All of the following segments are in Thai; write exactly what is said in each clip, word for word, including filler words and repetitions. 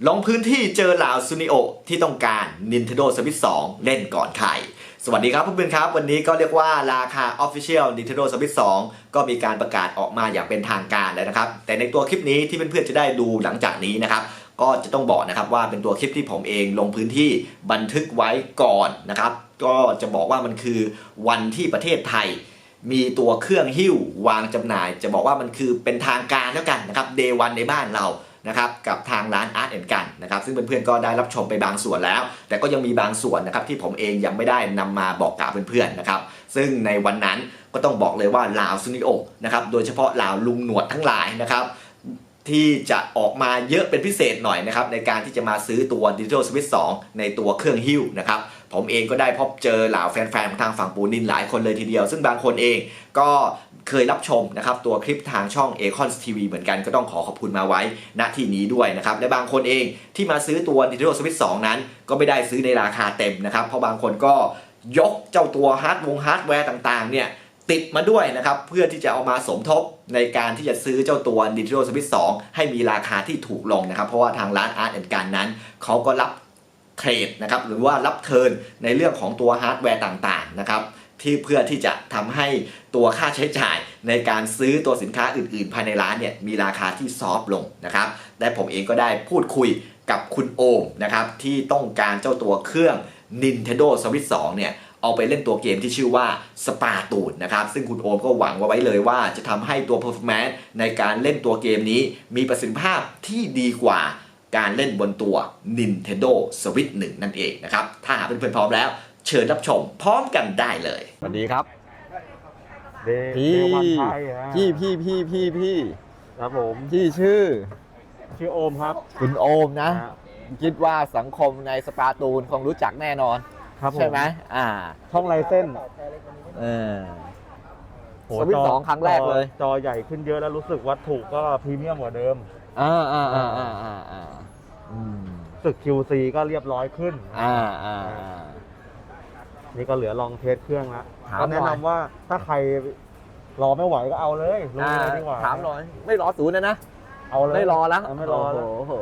ลงพื้นที่เจอเหล่าซูนิโอที่ต้องการ Nintendo Switch สองเล่นก่อนใครสวัสดีครับเพื่อนๆครับวันนี้ก็เรียกว่าราคา Official Nintendo Switch สองก็มีการประกาศออกมาอย่างเป็นทางการแล้วนะครับแต่ในตัวคลิปนี้ที่เพื่อนๆจะได้ดูหลังจากนี้นะครับก็จะต้องบอกนะครับว่าเป็นตัวคลิปที่ผมเองลงพื้นที่บันทึกไว้ก่อนนะครับก็จะบอกว่ามันคือวันที่ประเทศไทยมีตัวเครื่องหิ้ววางจำหน่ายจะบอกว่ามันคือเป็นทางการแล้วกันนะครับ Day วันในบ้านเรานะครับกับทางร้าน Art and Gun นะครับซึ่งเพื่อนๆก็ได้รับชมไปบางส่วนแล้วแต่ก็ยังมีบางส่วนนะครับที่ผมเองยังไม่ได้นำมาบอกกล่าวเพื่อนๆนะครับซึ่งในวันนั้นก็ต้องบอกเลยว่าลาวซูนิโอนะครับโดยเฉพาะลาวลุงหนวดทั้งหลายนะครับที่จะออกมาเยอะเป็นพิเศษหน่อยนะครับในการที่จะมาซื้อตัว Nintendo Switch สองในตัวเครื่องหิ้วนะครับผมเองก็ได้พบเจอเหล่าแฟนๆของทางฝั่งปูนินหลายคนเลยทีเดียวซึ่งบางคนเองก็เคยรับชมนะครับตัวคลิปทางช่อง Acons ที วี เหมือนกันก็ต้องขอขอบคุณมาไว้ณที่นี้ด้วยนะครับและบางคนเองที่มาซื้อตัว Nintendo Switch สองนั้นก็ไม่ได้ซื้อในราคาเต็มนะครับเพราะบางคนก็ยกเจ้าตัวฮาร์ดวงฮาร์ดแวร์ต่างๆเนี่ยติดมาด้วยนะครับเพื่อที่จะเอามาสมทบในการที่จะซื้อเจ้าตัว Nintendo Switch สองให้มีราคาที่ถูกลงนะครับเพราะว่าทางร้าน Art and Gun นั้นเขาก็รับเทรดนะครับหรือว่ารับเทิร์นในเรื่องของตัวฮาร์ดแวร์ต่างๆนะครับที่เพื่อที่จะทำให้ตัวค่าใช้จ่ายในการซื้อตัวสินค้าอื่นๆภายในร้านเนี่ยมีราคาที่ซอฟต์ลงนะครับและผมเองก็ได้พูดคุยกับคุณโอมนะครับที่ต้องการเจ้าตัวเครื่อง Nintendo Switch สองเนี่ยเอาไปเล่นตัวเกมที่ชื่อว่าสปาตูนนะครับซึ่งคุณโอมก็หวังไว้เลยว่าจะทำให้ตัว performance ในการเล่นตัวเกมนี้มีประสิทธิภาพที่ดีกว่าการเล่นบนตัว Nintendo Switch หนึ่งนั่นเองนะครับถ้าหากเพื่อนๆพร้อมแล้วเชิญรับชมพร้อมกันได้เลยสวัสดีครับเดพี่เดวันไทยนะพี่พี่พี่พี่พี่ครับผมพี่ชื่อชื่อโอมครับคุณโอมนะฮะคิดว่าสังคมในสปาตูนคงรู้จักแน่นอนครับผมใช่ไหมอ่าช่องไลเส้นเออโหสวิตช์จสองครั้งแรกเลยจอใหญ่ขึ้นเยอะแล้วรู้สึกวัตถุก็พรีเมียมกว่าเดิมอ่าอ่าอ่าอ่าอ่าอ่าอืมรู้สึก คิว ซี ก็เรียบร้อยขึ้นอ่าอ่าอ่านี่ก็เหลือลองเทสเครื่องแล้วถามก็แนะหน่อยนำว่าถ้าใครรอไม่ไหวก็เอาเลยลงอ่าเลยดีกว่าถามหน่อยไม่รอศูนย์นะนะเอาเลยไม่รอแล้วเไม่รอแล้วโอ้โห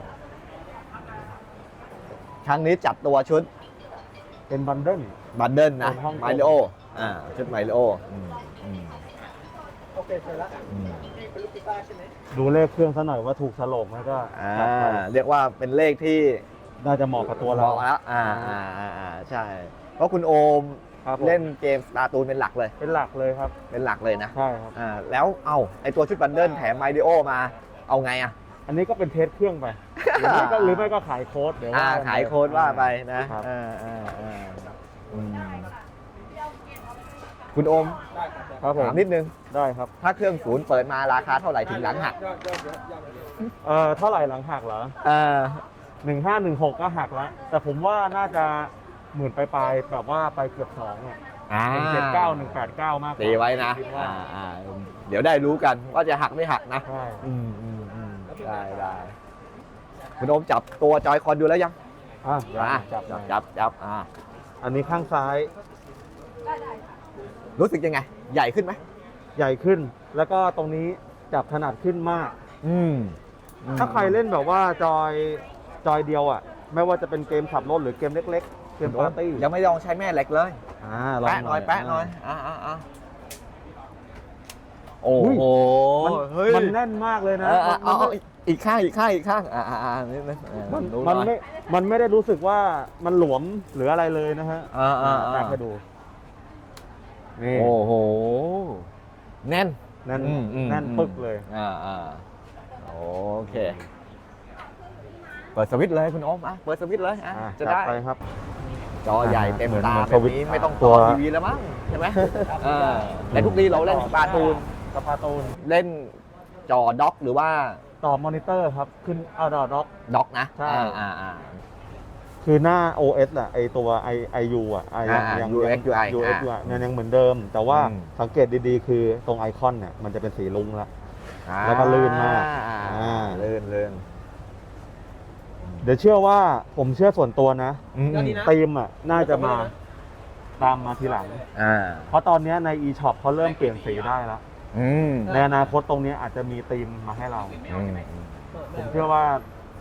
ครั้งนี้จัดตัวชุดเป็นบันเดิลบันเดิลนะเป็นห้องไมลิโออ่าชุดไมลิโออืมอืมโอเคเสร็จแล้วอืมพี่เป็นลูกกีตาร์ใช่ไหมดูเลขเครื่องซะหน่อยว่าถูกฉลกไหมก็อ่าจัดไปเรียกว่าเป็นเลขที่น่าจะเหมาะกับตัวบเราอกแล้วอ่าอ่าอ่าอ่าใช่ เพราะคุณโอมครับผมเล่นเกมสตาร์ตูนเป็นหลักเลยเป็นหลักเลยครับเป็นหลักเลยนะใช่ครับอ่าแล้วเอาไอตัวชุดบันเดิลแถมไมลิโอมาเอาไงอ่ะอันนี้ก็เป็นเทสเครื่องไป หรือไม่ก็หรือไม่ก็ขายโค้ดเดี๋ยวอ่าว่ากันขายโค้ดว่าไปนะครับ อ่าอ่าอ่าอืมคุณโอมครับผมถามนิดนึงได้ครับถ้าเครื่องศูนย์เปิดมาราคาเท่าไหร่ถึงหลังหักเอ่อเท่าไหร่หลังหักเหรออ่าหนึ่งห้าหนึ่งหกก็หักแล้ว แต่ผมว่าน่าจะหมื่นปลายๆแบบว่าไปเกือบสองอ่ะอ่าหนึ่งเจ็ดเก้าหนึ่งแปดเก้ามากกว่าตีไว้นะคิดว่าอ่าอ่าเดี๋ยวได้รู้กันว่าจะหักไม่หักนะใช่อืมอืมอืมได้ได้คุณโอมจับตัวจอยคอนดูแล้วยังอ่ะเดี๋ยวอ่ะจับจับหน่อยจับจับอ่าอันนี้ข้างซ้ายรู้สึกยังไง ใหญ่ขึ้นไหมใหญ่ขึ้น แล้วก็ตรงนี้จับถนัดขึ้นมากอืมถ้าใครเล่นแบบว่าจอยจอยเดียวอ่ะ ไม่ว่าจะเป็นเกมขับรถหรือเกมเล็กๆ เกมปาร์ตี้ยังไม่ลองใช้แม่เหล็กเลยอ่าลองแปะหน่อยแปะหน่อยอ่าอ่าอ่าโอ้อุ้ยโหมันเฮ้ยมันแน่นมากเลยนะเออเออมันเอาไม่เอาอีกข้างอีกข้างอีกข้างอ่าอ่าอ่านิดนึงเออมันดูหมันอยไม่ มันไม่ได้รู้สึกว่ามันหลวมหรืออะไรเลยนะฮะอ่าอ่าอ่าแตกให้ดู นี่โอ้โห แน่นแน่นอืมอืมแน่นอืมปึ๊กเลยอ่าอ่าโอเค เปิดสวิตช์เลยคุณโอมอ่ะเปิดสวิตช์เลยอ่ะอ่ะจะจัดได้ไปครับจอใหญ่เต็มเหมือนตาเหมือนแบบสวิตช์นี้ไม่ต้องตัต่อวทีวีแล้วมั้งใช่ไหมเออแต่ทุกทีเราเล่นสปาตูนสปาตูนเล่นจอด็อกหรือว่าต่อมอนิเตอร์ครับ ขึ้นเอาดอด็อกด็อกนะใช่อ่าอ่าอ่าคือหน้า โอ เอส อ่ะ ไอตัว I ไอ ยู อ่ะไออ่าอ่ายังยู เอ็กซ์ ยู ไอยู เอ็กซ์ ยู ไอ เนี่ยยังเหมือนเดิม แต่ว่าอืมสังเกตดีๆ คือตรงไอคอนเนี่ยมันจะเป็นสีลุ้งละอ่าแล้วก็ลื่นมากอ่าอ่าลื่นลื่นเดี๋ยวเชื่อว่าผมเชื่อส่วนตัวนะอืมอืมธีมอ่ะน่าจะมาตามมาทีหลังอ่าเพราะตอนเนี้ยใน e-shop เขาเริ่มเปลี่ยนสีได้แล้วอืมในอนาคตตรงนี้อาจจะมีธีมมาให้เราอืมผมเชื่อว่า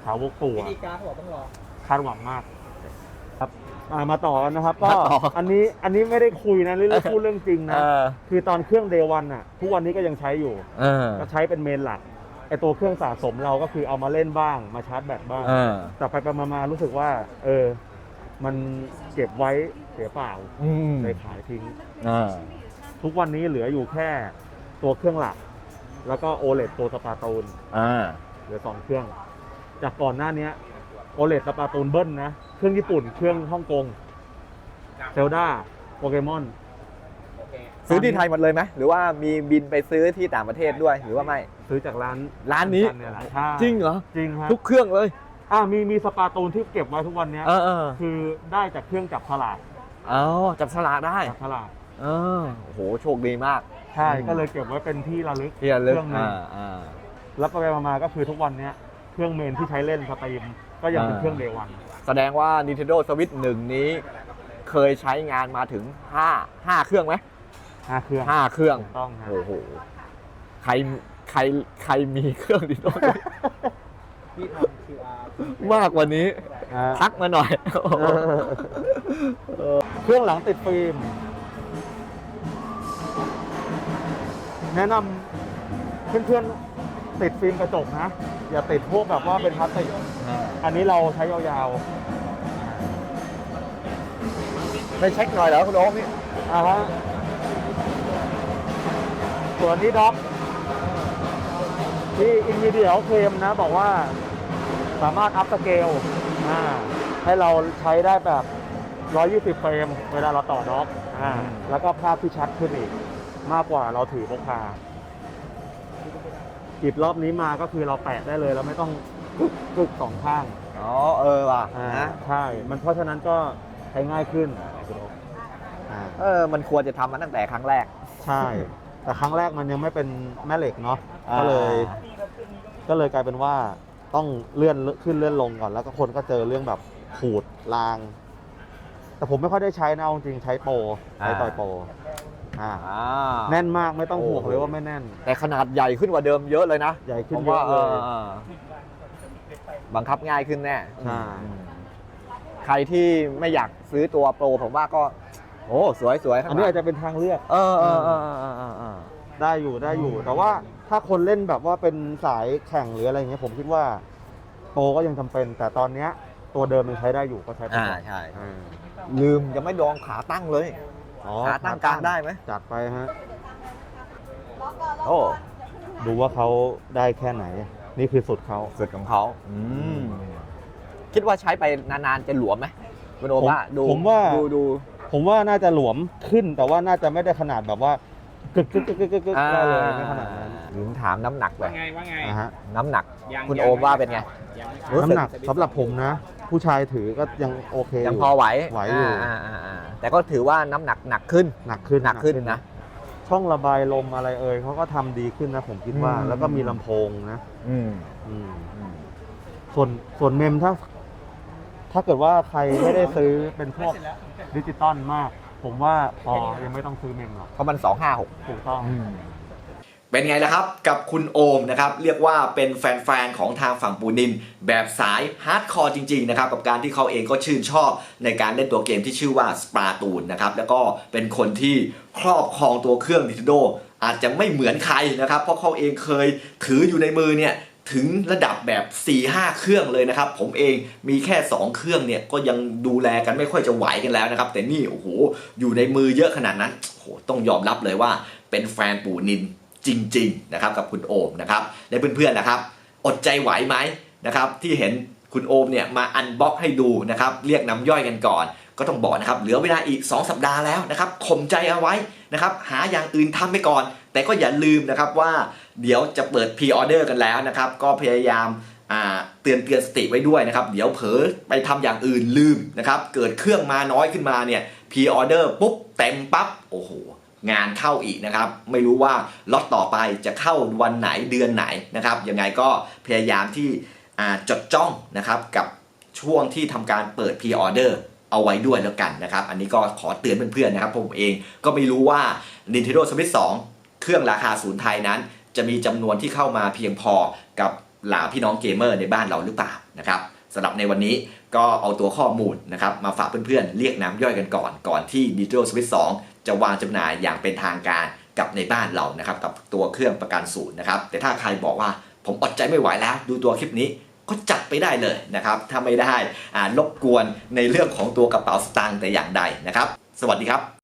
สาวกปู่วิอะธีการเขาบอกต้องรอคาดหวังมากครับอ่ามาต่อกันนะครับ ก็มาต่ออันนี้อันนี้ไม่ได้คุยนะเรื่องพูดเรื่องจริงนะเออคือตอนเครื่องเดวันอ่ะทุกวันนี้ก็ยังใช้อยู่เออก็ใช้เป็นเมนหลักไอตัวเครื่องสะสมเราก็คือเอามาเล่นบ้างมาชาร์จแบตบ้างเออแต่ไปไปมามารู้สึกว่า เออ มันเก็บไว้เสียเปล่าอืมเลยขายทิ้งเออทุกวันนี้เหลืออยู่แค่ตัวเครื่องหลัก แล้วก็โอเลตัวสปาตูนอ่าเหลือสองเครื่อง จากก่อนหน้านี้โอเลสปาตูนเบิ้ลนะ เครื่องญี่ปุ่นเครื่องฮ่องกงเซลดาโปเกมอนโอเคซื้อที่ไทยหมดเลยไหมหรือว่ามีบินไปซื้อที่ต่างประเทศด้วยหรือว่าไม่ซื้อจากร้านร้านนี้เนี่ยแหละใช่จริงเหรอจริงครับทุกเครื่องเลยอ่ามีมีสปาตูนที่เก็บไว้ทุกวันเนี้ยเออเออคือได้จากเครื่องจับฉลากเอาจับฉลากได้จับฉลากเออโอ้โหโชคดีมากใช่อืมก็เลยเก็บไว้เป็นที่ระลึกที่ระลึกเครื่องหนึงอ่าอ่าแล้วไปๆมาๆก็คือทุกวันเนี้ยเครื่องเมนที่ใช้เล่นสตรีมก็ยังเป็นอ่าเครื่องเดวันแสดงว่า Nintendo Switch หนึ่งนี้ เคยใช้งานมาถึงห้า ห้าเครื่องไหมห้าเครื่องห้าเครื่องถูกต้องครับโอ้โหใครใครใครมีเครื่อง Nintendo Switch พี่ทำ คิว อาร์มากกว่านี้อ่าทักมาหน่อยเครื่องหลังติดฟิล์ม แนะนำเพื่อนๆติดฟิล์มกระจกนะ อย่าติดพวกแบบว่าเป็นพลาสติก อันนี้เราใช้ยาวไม่เช็คหน่อยเหรอคุณโอ๊คนี่ๆอ่าฮะส่วนนี้ด็อกที่อินวีเดียเคลมนะ บอกว่าสามารถอัพสเกลอ่าให้เราใช้ได้แบบ หนึ่งร้อยยี่สิบ เฟรม เวลาเราต่อด็อกอ่าแล้วก็ภาพที่ชัดขึ้นอีก มากกว่าเราถือพกพาหยิบรอบนี้มาก็คือเราแปะได้เลยเราไม่ต้องกึกกึกสองข้างอ๋อเออว่ะอ่านะใช่ มันเพราะฉะนั้นก็ใช้ง่ายขึ้นอ่าเออมันควรจะทำมาตั้งแต่ครั้งแรกใช่ แต่ครั้งแรกมันยังไม่เป็นแม่เหล็กเนาะอ่าก็เลย ก็เลยกลายเป็นว่าต้องเลื่อนขึ้นเลื่อนลงก่อน แล้วก็คนก็เจอเรื่องแบบขูดราง แต่ผมไม่ค่อยได้ใช้นะเอาจริงใช้โปรใช้ต่อยโปรอ่าอ่าแน่นมากไม่ต้องห่วงโอ้โหเลยว่าไม่แน่นแต่ขนาดใหญ่ขึ้นกว่าเดิมเยอะเลยนะใหญ่ขึ้นผมเยว่าอะเลยออบังคับง่ายขึ้นแน่ใช่อืมใครที่ไม่อยากซื้อตัวโปรผมว่าก็ โอ้สวยสวยอันนี้อาจจะเป็นทางเลือกเออเออเออเออเออเออได้อยู่ได้อยู่ แต่ว่าถ้าคนเล่นแบบว่าเป็นสายแข่งหรืออะไรเงี้ยผมคิดว่าโปรก็ยังจำเป็น แต่ตอนเนี้ยตัวเดิมมันใช้ได้อยู่ก็ใช้ไปอ่าก่อนใช่อ่าลืมยังไม่ลองขาตั้งเลยอ๋อขาตั้งกลางได้ไหมจัดไปฮะโอ้ดูว่าเขาได้แค่ไหน นี่คือสุดเขาสุดของเขาอืมคิดว่าใช้ไปนานๆจะหลวมไหมคุณโอผมว่าดูผมว่าดูดูผมว่าน่าจะหลวมขึ้น แต่ว่าน่าจะไม่ได้ขนาดแบบว่ากึกกึกกึกกึกกึกกึกได้เลยไม่ขนาดนั้นถึงถามน้ำหนักเลว่าย ไงว่าไงนะฮะน้ำหนักยังคุณยังโอมว่าเป็นไงยังไม่รู้สึกน้ำหนักสำหรับผมนะ ผู้ชายถือก็ยังโอเคยังอยู่พอไหวไหวอยู่าาอ่าแต่ก็ถือว่าน้ำหนักหนักขึ้นหนักขึ้นหนักขึ้นนะช่องระบายลมอะไรเอ่ยเขาก็ทำดีขึ้นนะผมคิดว่าอืมแล้วก็มีลำโพงนะอืมอืมอืมส่วนส่วนเมมถ้า ถ้าเกิดว่าใครไม่ได้ซื้อเป็นพวกดิจิตอลมาก ผมว่าพอยังไม่ต้องซื้อเมมหรอกเพราะมันสองห้าหกถูกต้องเป็นไงล่ะครับกับคุณโอมนะครับเรียกว่าเป็นแฟนๆของทางฝั่งปูนินแบบสายฮาร์ดคอร์จริงๆนะครับกับการที่เขาเองก็ชื่นชอบในการเล่นตัวเกมที่ชื่อว่าสปาตูนนะครับแล้วก็เป็นคนที่ครอบครองตัวเครื่อง Nintendo อาจจะไม่เหมือนใครนะครับเพราะเขาเองเคยถืออยู่ในมือเนี่ยถึงระดับแบบ สี่ห้า เครื่องเลยนะครับผมเองมีแค่สองเครื่องเนี่ยก็ยังดูแลกันไม่ค่อยจะไหวกันแล้วนะครับแต่นี่โอ้โหอยู่ในมือเยอะขนาดนั้นโอ้โหต้องยอมรับเลยว่าเป็นแฟนปูนินจริงๆนะครับกับคุณโอมนะครับและเพื่อนๆนะครับอดใจไหวไหมนะครับที่เห็นคุณโอมเนี่ยมาอันบ็อกให้ดูนะครับเรียกน้ำย่อยกันก่อนก็ต้องบอกนะครับเหลือเวลาอีกสองสัปดาห์แล้วนะครับข่มใจเอาไว้นะครับหาอย่างอื่นทำไปก่อนแต่ก็อย่าลืมนะครับว่าเดี๋ยวจะเปิดพรีออเดอร์กันแล้วนะครับก็พยายามอ่าเตือนเตือนสติไว้ด้วยนะครับเดี๋ยวเผลอไปทำอย่างอื่นลืมนะครับเกิดเครื่องมาน้อยขึ้นมาเนี่ยพรีออเดอร์ปุ๊บเต็มปั๊บโอ้โหงานเข้าอีกนะครับไม่รู้ว่าล็อตต่อไปจะเข้าวันไหนเดือนไหนนะครับยังไงก็พยายามที่จดจ้องนะครับกับช่วงที่ทำการเปิดพรีออเดอร์เอาไว้ด้วยแล้วกันนะครับอันนี้ก็ขอเตือนเพื่อนๆนะครับผมเองก็ไม่รู้ว่า Nintendo Switch สองเครื่องราคาศูนย์ไทยนั้นจะมีจำนวนที่เข้ามาเพียงพอกับเหล่าพี่น้องเกมเมอร์ในบ้านเราหรือเปล่านะครับสำหรับในวันนี้ก็เอาตัวข้อมูลนะครับมาฝากเพื่อนๆเรียกน้ำย่อยกันก่อนก่อนที่ Nitro Switch สองจะวางจำหน่ายอย่างเป็นทางการกับในบ้านเรานะครับกับตัวเครื่องประกันศูนย์นะครับแต่ถ้าใครบอกว่าผมอดใจไม่ไหวแล้วดูตัวคลิปนี้ก็จัดไปได้เลยนะครับถ้าไม่ได้อ่ารบกวนในเรื่องของตัวกระเป๋าสตางค์แต่อย่างใดนะครับสวัสดีครับ